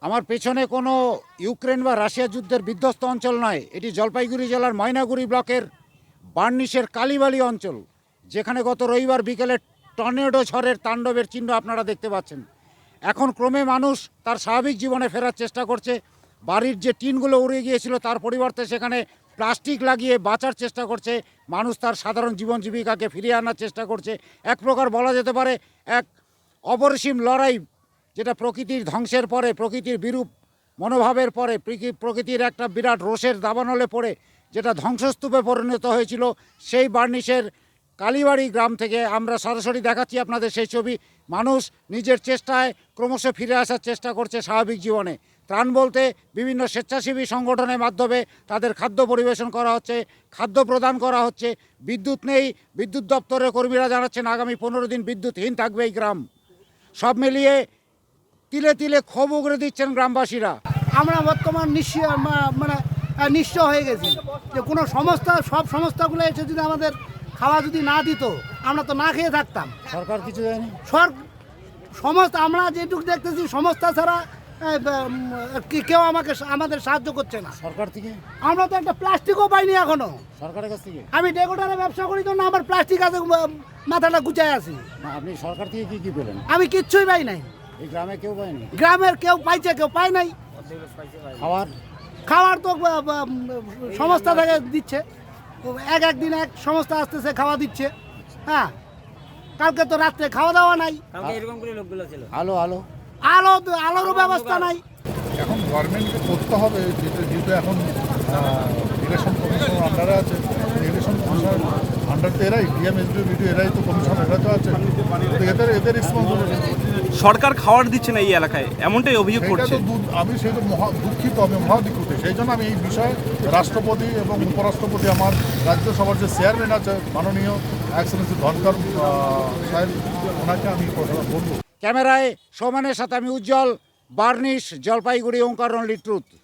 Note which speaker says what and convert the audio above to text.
Speaker 1: আমার পেছনে কোনো ইউক্রেন বা রাশিয়া যুদ্ধের বিধ্বস্ত অঞ্চল নয়, এটি জলপাইগুড়ি জেলার ময়নাগুড়ি ব্লকের বার্নিশের কালীবাড়ি অঞ্চল, যেখানে গত রবিবার বিকেলে টর্নেডো ঝড়ের তাণ্ডবের চিহ্ন আপনারা দেখতে পাচ্ছেন। এখন ক্রমে মানুষ তার স্বাভাবিক জীবনে ফেরার চেষ্টা করছে। বাড়ির যে টিনগুলো উড়ে গিয়েছিল তার পরিবর্তে সেখানে প্লাস্টিক লাগিয়ে বাঁচার চেষ্টা করছে। মানুষ তার সাধারণ জীবন জীবিকাকে ফিরিয়ে আনার চেষ্টা করছে। এক প্রকার বলা যেতে পারে এক অপরিসীম লড়াই, যেটা প্রকৃতির ধ্বংসের পরে, প্রকৃতির বিরূপ মনোভাবের পরে, প্রকৃতির একটা বিরাট রোষের দাবানলে পড়ে যেটা ধ্বংসস্তূপে পরিণত হয়েছিল, সেই বার্নিশের কালীবাড়ি গ্রাম থেকে আমরা সরাসরি দেখাচ্ছি আপনাদের সেই ছবি। মানুষ নিজের চেষ্টায় ক্রমশ ফিরে আসার চেষ্টা করছে স্বাভাবিক জীবনে। ত্রাণ বলতে বিভিন্ন স্বেচ্ছাসেবী সংগঠনের মাধ্যমে তাদের খাদ্য পরিবেশন করা হচ্ছে, খাদ্য প্রদান করা হচ্ছে। বিদ্যুৎ নেই, বিদ্যুৎ দপ্তরের কর্মীরা জানাচ্ছেন আগামী 15 দিন বিদ্যুৎহীন থাকবে এই গ্রাম। সব মিলিয়ে তিলে তিলে ক্ষোভ উগড়ে দিচ্ছেন গ্রামবাসীরা।
Speaker 2: আমরা বর্তমান নিঃস্ব হয়ে গেছি যে কোনো সংস্থা, সব সংস্থাগুলো এসে যদি আমাদের খাওয়া যদি না দিত আমরা তো না খেয়ে থাকতাম।
Speaker 1: সরকার কিছু দেয়নি।
Speaker 2: সমস্ত আমরা যেটুকু দেখতেছি সংস্থা ছাড়া কেউ আমাদের সাহায্য করছে না।
Speaker 1: সরকার থেকে
Speaker 2: আমরা তো একটা প্লাস্টিকও পাইনি এখনো
Speaker 1: সরকারের কাছ থেকে।
Speaker 2: আমি ডেকোটারে ব্যবসা করি তো না, আমার প্লাস্টিক আছে, মাথাটা গুচায় আছি।
Speaker 1: না, আপনি সরকার থেকে কি কি পেলেন?
Speaker 2: আমি কিচ্ছুই পাই নাই।
Speaker 1: এই গ্রামে কেউ পায়নি।
Speaker 2: গ্রামের কেউ পাইছে, কেউ পায় নাই। খাওয়ার তো সংস্থা থেকে দিচ্ছে, একদিন এক সংস্থা আসতেছে খাওয়া দিচ্ছে। হ্যাঁ, কালকে তো রাত্রে খাওয়া দাওয়া নাই। আলোরও ব্যবস্থা নাই।
Speaker 3: এখন গভর্নমেন্টকে করতে হবে, যেহেতু এখন ইলেকশন কমিশন আন্ডারে আছে, ইলেকশন কমিশন আন্ডার তো এরাই ডিএমএসডি ভিডিও এরাই তো কমিশন, এরা তো আছে, এদের রেসপন্সিবিলিটি।
Speaker 4: সরকার খাওয়ার দিচ্ছে না এই এলাকায়, এমনটাই অভিযোগ করছে।
Speaker 3: আমি সেই তো দুঃখিত, আমি মহাদুঃখিত। সেই জন্য আমি এই বিষয়ে রাষ্ট্রপতি এবং উপরাষ্ট্রপতি, আমার রাজ্যসভার যে চেয়ারম্যান আছে মাননীয় এক্সেলেন্সি ধনকর সাহেব, ওনাকে আমি কথা বলবো।
Speaker 1: ক্যামেরায় সৌমানের সাথে আমি উজ্জ্বল, বার্নিশ, জলপাইগুড়ি, ওঙ্কার অনলি ট্রুথ।